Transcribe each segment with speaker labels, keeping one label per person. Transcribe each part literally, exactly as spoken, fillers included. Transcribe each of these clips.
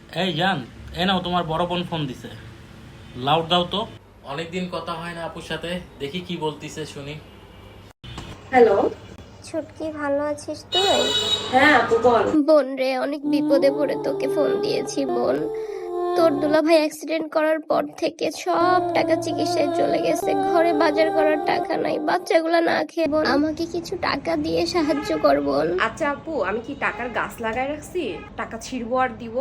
Speaker 1: এই জান, এ নাও তোমার বড় বোন ফোন দিছে। লাউড দাও তো। অনেকদিন কথা হয় না আপুর সাথে, দেখি কি বলতিছে শুনি।
Speaker 2: হ্যালো।
Speaker 3: ছুটকি, ভালো আছিস তুই?
Speaker 2: হ্যাঁ আপু বল।
Speaker 3: বোন রে, অনেক বিপদে পড়ে তোকে ফোন দিয়েছি বোন। তোর দুলাভাই অ্যাক্সিডেন্ট করার পর থেকে সব টাকা চিকিৎসায় চলে গেছে, ঘরে বাজার করার টাকা নাই, বাচ্চাগুলা না খেয়ে বোন আমাকে কিছু টাকা দিয়ে সাহায্য কর বোন।
Speaker 2: আচ্ছা আপু, আমি কি টাকার গাছ লাগাই রাখছি? টাকা ছিড়বো আর দিব?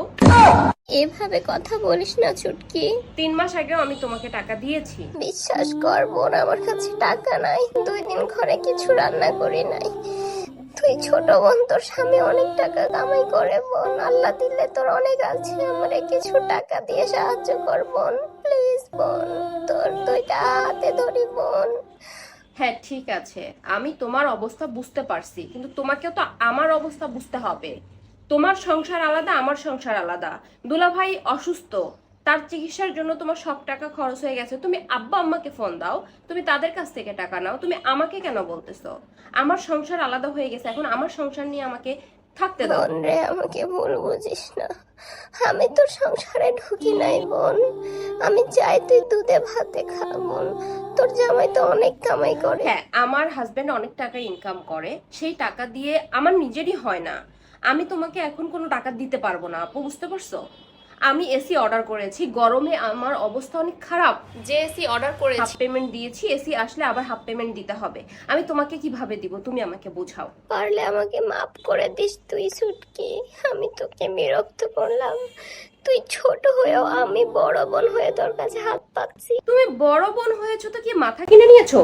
Speaker 3: এভাবে কথা বলিস না ছুটকি।
Speaker 2: তিন মাস আগেও আমি তোমাকে টাকা দিয়েছি।
Speaker 3: বিশ্বাস কর বোন, আমার কাছে টাকা নাই, দুই দিন ঘরে কিছু রান্না করি নাই। তুই ছোট বোন, তোর স্বামী অনেক টাকা কামাই করে বোন, আল্লাহ দিলে তোর অনেক আছে, আমারে কিছু টাকা দিয়ে সাহায্য কর বোন, প্লিজ বোন, তোর দুইটা হাতে ধরি বোন।
Speaker 2: হ্যাঁ ঠিক আছে, আমি তোমার অবস্থা বুঝতে পারছি, কিন্তু তোমাকেও তো আমার অবস্থা বুঝতে হবে। তোমার সংসার আলাদা, আমার সংসার আলাদা। দুলাভাই অসুস্থ, তার চিকিৎসার জন্য তোমার সব টাকা খরচ হয়ে গেছে। তুমি আব্বা আম্মাকে ফোন দাও, তুমি তাদের কাছ থেকে টাকা নাও, তুমি আমাকে কেন বলতেছো? আমার সংসার আলাদা হয়ে গেছে, এখন আমার সংসার নিয়ে আমাকে থাকতে দাও।
Speaker 3: বোন রে, আমাকে ভুল বুঝিস না, আমি তোর সংসারে ঢুকি নাই বোন। আমি চাই তুই দুধে ভাতে খা বোন, তোর জামাই তো অনেক কামাই করে।
Speaker 2: হ্যাঁ, আমার হাজবেন্ড অনেক টাকা ইনকাম করে, সেই টাকা দিয়ে আমার নিজেরই হয় না। আমি তোমাকে এখন কোনো টাকা দিতে পারবো না আপু, বুঝতে পারছো? আমি এসি অর্ডার করেছি, গরমে আমার অবস্থা অনেক খারাপ। যে এসি অর্ডার করেছি হাফ পেমেন্ট দিয়েছি, এসি আসলে আবার হাফ পেমেন্ট দিতে হবে। আমি তোমাকে কিভাবে দিব তুমি আমাকে বোঝাও।
Speaker 3: পারলে আমাকে মাফ করে দিস তুই ছুটকি, আমি তোকে বিরক্ত করলাম। তুই ছোট হয়েও আমি বড় বোন হয়ে তোর কাছে হাত পাচ্ছি।
Speaker 2: তুমি বড় বোন হয়েছো তো কি মাথা কিনে নিয়েছো?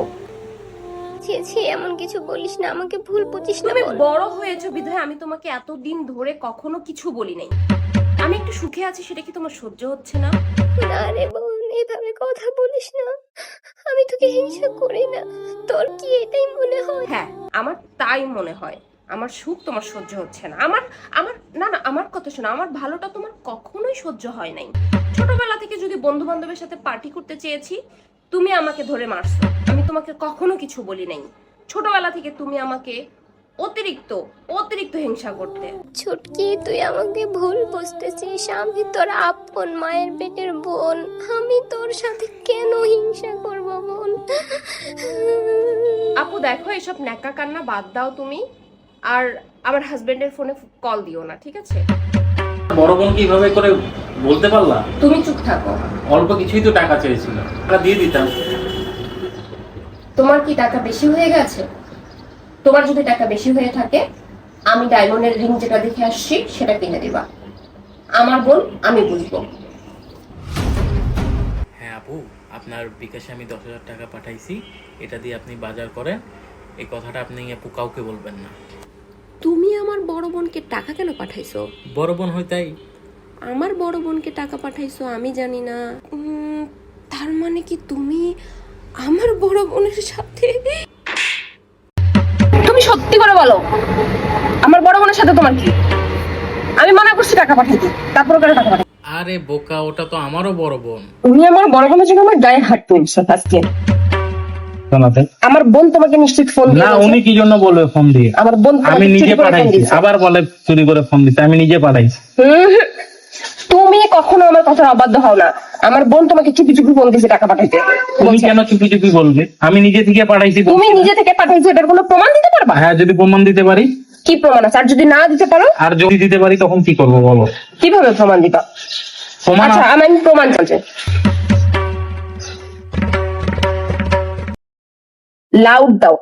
Speaker 3: ছি ছি, এমন কিছু বলিস না, আমাকে ভুল বুঝিস না
Speaker 2: তুমি
Speaker 3: বোন।
Speaker 2: বড় হয়েছো বিধায় আমি তোমাকে এতদিন ধরে কখনো কিছু বলি নাই। আমি একটু সুখে আছি, সেটা কি তোমার সহ্য হচ্ছে না?
Speaker 3: না রে বোন, এভাবে কথা বলিস না, আমি তোকে হিংসা করি না, তোর কি এটাই মনে হয়?
Speaker 2: হ্যাঁ, আমার তাই মনে হয়। আমার সুখ তোমার সহ্য হচ্ছে না। আমার আমার না না আমার কথা শোনো, আমার ভালোটা তোমার কখনোই সহ্য হয় নাই। ছোটবেলা থেকে যদি বন্ধু বান্ধবের সাথে পার্টি করতে চেয়েছি, তুমি আমাকে ধরে মারছো। আমি তোমাকে কখনো কিছু বলি নাই। ছোটবেলা থেকে তুমি আমাকে অতিরিক্ত অতিরিক্ত হিংসা করতে।
Speaker 3: ছুটকি, তুই আমাকে ভুল বুঝতেছিস, আমি তোর আপন মায়ের পেটের বোন, আমি তোর সাথে কেন হিংসা করব বোন?
Speaker 2: আপু দেখো, এসব ন্যাকা কান্না বাদ দাও তুমি, আর আমার হাজবেন্ডের ফোনে কল দিও না, ঠিক আছে?
Speaker 1: বড় বোন কিভাবে করে বলতে পারলা?
Speaker 2: তুমি চুপ থাকো।
Speaker 1: অল্প কিছুই তো টাকা চেয়েছিল, টাকা দিয়ে দিতাম।
Speaker 2: তোমার কি টাকা বেশি হয়ে গেছে? তোমার যদি টাকা বেশি হয়ে থাকে, আমি ডায়মন্ডের রিং যেটা দেখে আসছি সেটা কিনে দিবা। আমার বোন, আমি বুঝবো।
Speaker 1: হ্যাঁ আপু, আপনার বিকাশে আমি দশ হাজার টাকা পাঠাইছি, এটা দিয়ে আপনি বাজার করেন। এই কথাটা আপনি আপু কাউকে বলবেন না।
Speaker 4: তুমি আমার বড় বোনকে টাকা কেন পাঠাইছো?
Speaker 1: বড় বোন হয় তাই।
Speaker 4: আমার বড় বোনকে টাকা পাঠাইছো আমি জানি না। উম, তার মানে কি তুমি আমার বড় বোনের সাথে?
Speaker 2: তুমি সত্যি করে বলো, আমার বড় বোনের সাথে তোমার কি? আমি মানা করছি টাকা পাঠাইতে, তারপর করে টাকা পাঠাই।
Speaker 1: আরে বোকা, ওটা তো আমারও বড় বোন।
Speaker 2: তুমি আমার বড় বোনের জন্য আমার গায়ে হাত তুলছো আজকে। আমার বোন তোমাকে নিশ্চিত ফোন
Speaker 5: না,
Speaker 2: দিয়েছে।
Speaker 5: উনি কি জন্য বলবে ফোন দিয়ে?
Speaker 2: আমার বোন তোমাকে
Speaker 5: আমি
Speaker 2: চুরি
Speaker 5: নিজে
Speaker 2: করে ফোন
Speaker 5: পাঠাইছি।
Speaker 2: দিয়েছে।
Speaker 5: আবার বলে চুরি করে ফোন দিতে, আমি নিজে পাঠাইছি।
Speaker 2: হুম হুম। তুমি কখনো আমার কথা অবাধ্য হও না। আমার বোন তোমাকে চুপি চুপি ফোন দিয়েছে টাকা পাঠাইতে।
Speaker 5: তুমি কেন চুপি চুপি বলবে? আমি নিজে থেকে পাঠাইছি।
Speaker 2: তুমি নিজে থেকে পাঠাইছো, এটার কোনো প্রমাণ দিতে পারবা?
Speaker 5: হ্যাঁ, যদি প্রমাণ দিতে পারি।
Speaker 2: কি প্রমাণ আছে? আর যদি না দিতে পারো?
Speaker 5: আর যদি দিতে পারি তখন কি করবো বলো?
Speaker 2: কিভাবে প্রমাণ দিবা?
Speaker 5: প্রমাণ
Speaker 2: আচ্ছা, আমি প্রমাণ চাচ্ছি। লাউড দাও।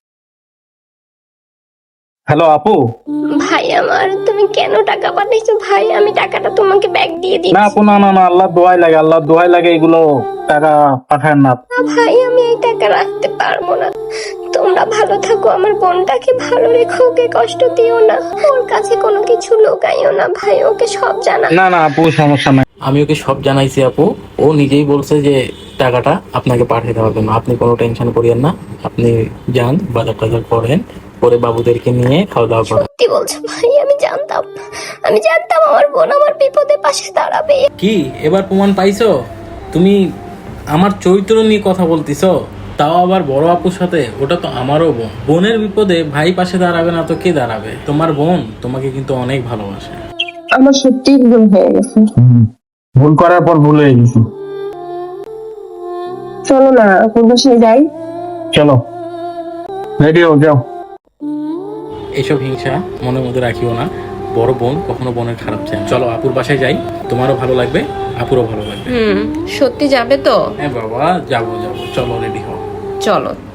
Speaker 5: হ্যালো আপু।
Speaker 3: ভাই আমার, তুমি কেন টাকা পাঠাইছো ভাই? আমি টাকাটা তোমাকে ব্যাগ দিয়ে দিই।
Speaker 5: না আপু, না না না, আল্লাহ দোহাই লাগে, আল্লাহ দোহাই লাগে, এগুলো টাকা পাঠায় না।
Speaker 3: ভাই, আমি এই টাকা রাখতে পারবো না, তোমরা ভালো থাকো, আমার বোনটাকে ভালো রেখো, ওকে কষ্ট দিও না, ওর কাছে কোনো কিছু লুকাইও না ভাই, ওকে সব জানা।
Speaker 5: না না আপু, সমস্যা নাই।
Speaker 1: আমি ওকে সব জানাইছি আপু, ও নিজেই বলছে যে টাকাটা আপনাকে পাঠিয়ে দেওয়ার জন্য। আপনি কোনো টেনশন করিয়েন না, আপনি যান বাজার টাজার করেন, পরে বাবুদেরকে নিয়ে খাওয়া দাওয়া করেন।
Speaker 3: সত্যি বলছো ভাই? আমি জানতাম, আমি জানতাম আমার বোন আমার বিপদে পাশে দাঁড়াবে।
Speaker 1: কি এবার প্রমাণ পাইছো? তুমি আমার চরিত্র নিয়ে কথা বলতিছো, তাও আবার বড় আপুর সাথে। ওটা তো আমারও বোন, বোনের বিপদে ভাই পাশে দাঁড়াবে না তো কে দাঁড়াবে? তোমার বোন তোমাকে কিন্তু অনেক ভালোবাসে।
Speaker 6: আমার সত্যি ভুল হয়ে গেছে।
Speaker 5: ভুল করার পর ভুল হয়ে গেছি।
Speaker 6: চলো না আপুর বাসায় যাই।
Speaker 5: চলো, রেডি হও, যাও।
Speaker 1: এইসব হিংসা মনের মধ্যে রাখিও না। বড় বোন কখনো বোনের খারাপ চায় না। চলো আপুর বাসায় যাই, তোমারও ভালো লাগবে, আপুরও ভালো লাগবে।
Speaker 4: হুম, সত্যি যাবে তো?
Speaker 1: হ্যাঁ বাবা, যাবো যাবো, চলো রেডি হও।
Speaker 4: চলো।